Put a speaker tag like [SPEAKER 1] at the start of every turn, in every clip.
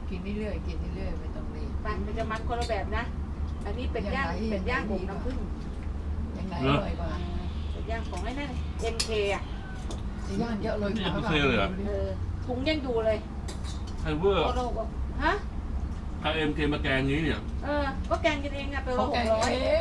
[SPEAKER 1] กินเรื่อยๆกินเรื่อยๆไม่ต้องรีบ
[SPEAKER 2] มันจะมันคนละแบบนะอันนี้เป็ดย่างบ่มน้ำผึ้ง
[SPEAKER 1] ยังไงอร่อยกว่า
[SPEAKER 2] เป็ดย่างของไอ้นั่น MK อ่ะ
[SPEAKER 1] จะย่างเยอะเลย
[SPEAKER 3] นี่ไม่เคยเลยเหรอ
[SPEAKER 2] ถุงยังอยู่เลย
[SPEAKER 3] ไฮเวอร์
[SPEAKER 2] โลกฮะ
[SPEAKER 3] ถ้าเอ็มเคมาแกงนี้เนี่ย
[SPEAKER 2] ก็แกงกันเองอ่ะไปโล
[SPEAKER 1] เขา
[SPEAKER 2] ห
[SPEAKER 1] แก
[SPEAKER 2] ก
[SPEAKER 1] ง
[SPEAKER 2] ร้อย
[SPEAKER 1] เอง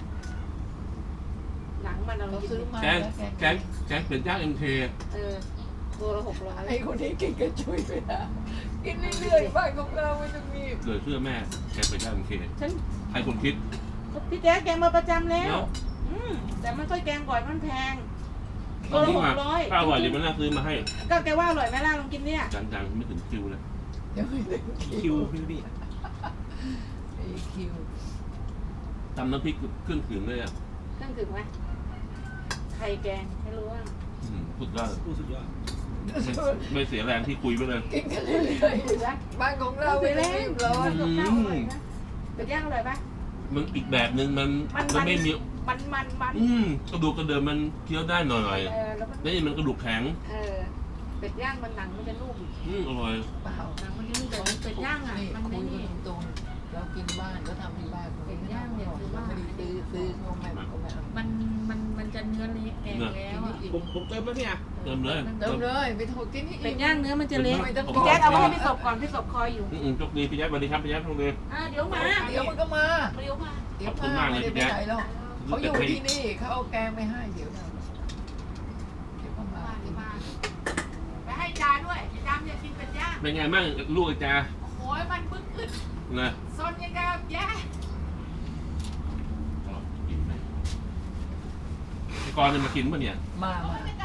[SPEAKER 2] หนังมันเรา
[SPEAKER 1] เรา
[SPEAKER 2] กิน
[SPEAKER 1] ซื้อมา
[SPEAKER 3] แกง
[SPEAKER 1] แล้ว
[SPEAKER 3] แกงเป็ดย่างเอ็มเค
[SPEAKER 2] ตัวละ600
[SPEAKER 1] ไอ้คนนี้กินกระชุยไปนะกินเรื่อยๆบ้านของเราไม่ต้องมี
[SPEAKER 3] เหลือเชื่อแม่แกงเป็ดย่างเอ็มเค
[SPEAKER 2] ฉัน
[SPEAKER 3] ใครคนคิด
[SPEAKER 2] พี่แจ๊คแกงมาประจำแล้ว
[SPEAKER 3] เนาะ
[SPEAKER 2] แต่มันค่อยแกงบ่อยมันแพง
[SPEAKER 3] ตอนนี้มาป้าอร่อยเดี๋ยวมันน่าซื้อมาให้
[SPEAKER 2] ก็แกว่าอร่อยไหมล่ะลองกินเนี่ย
[SPEAKER 3] จังๆไม่ถึงคิวเลย
[SPEAKER 1] ยังไม่ถึง
[SPEAKER 4] คิวพี่พี่
[SPEAKER 1] ไอ้คิว
[SPEAKER 3] ตำน้ำพริกเครื่องถึงเลยอ่ะ
[SPEAKER 2] เครื่องถึงไหมไข่แกงไม่รู้ว่า
[SPEAKER 3] สุดยอด
[SPEAKER 4] ผู้สุดยอด
[SPEAKER 3] ไม่เสียแรงที่คุยไปเลย
[SPEAKER 1] กินกันเรื่อยๆบ้านของเราไม่ต้องรีบร้อน
[SPEAKER 2] กับข้าวอร่อยนะเป็ดย่างอร่อยปะ
[SPEAKER 3] มันอีกแบบหนึ่งมันไม่มี
[SPEAKER 2] มัน
[SPEAKER 3] กระดูกกระเดิมมันเคี้ยวได้หน่อย
[SPEAKER 2] แล้วมัน
[SPEAKER 3] ๆนี่มันกระดูกแข็ง
[SPEAKER 2] เป็ดย่างมันหนังมันจะนุ่ม
[SPEAKER 3] อร่อย
[SPEAKER 1] เปล่า
[SPEAKER 2] หนังมันจะนุ่มแต่เป็ดย่างอ่ะ
[SPEAKER 1] นี่
[SPEAKER 2] มัน
[SPEAKER 1] คุ
[SPEAKER 2] ไม่
[SPEAKER 1] ย
[SPEAKER 2] นี่
[SPEAKER 1] กันตรงๆเรากินบ้านก็ทำที่บ้านเราไม่ได้ซื้อเขาไม่เอา
[SPEAKER 2] มันจะเนื้อเละแกงแล้วอ่ะ
[SPEAKER 4] ผมเติมแล้วเนี่ย
[SPEAKER 3] เติมเลย
[SPEAKER 1] เติมเลยไปโทษกินนี่
[SPEAKER 2] เป็ดย่างเนื้อมันจะเละ
[SPEAKER 1] ไม่ต้อง
[SPEAKER 2] พี่แจ๊คเอามาให้พี่ศพก่อนพี่ศพคอยอยู่
[SPEAKER 3] โชคดีพี่แจ๊คสวัสดีครับพี่แจ๊คโชคดี
[SPEAKER 2] เดี๋ยวมา
[SPEAKER 1] เดี๋ยวมันก็มา
[SPEAKER 2] เดี๋ยวมา
[SPEAKER 1] เดี๋ยวมาไม่ได้ไปไหนหรอกเขาอยู่ที่นี่เขาเอาแกงไม่ให้เดี๋ยวก็มา
[SPEAKER 2] ไปให้จาด้วยจามอยากกินเป็ดย่าง
[SPEAKER 3] เป็นไงบ้างลูกไอ้จ่า
[SPEAKER 2] โอ้ยมันบึ้งขึ้น
[SPEAKER 3] นะ
[SPEAKER 2] ซนยังกับแย่
[SPEAKER 3] ก่อนจะมากินป่ะเนี่ย
[SPEAKER 1] มา
[SPEAKER 2] ไม่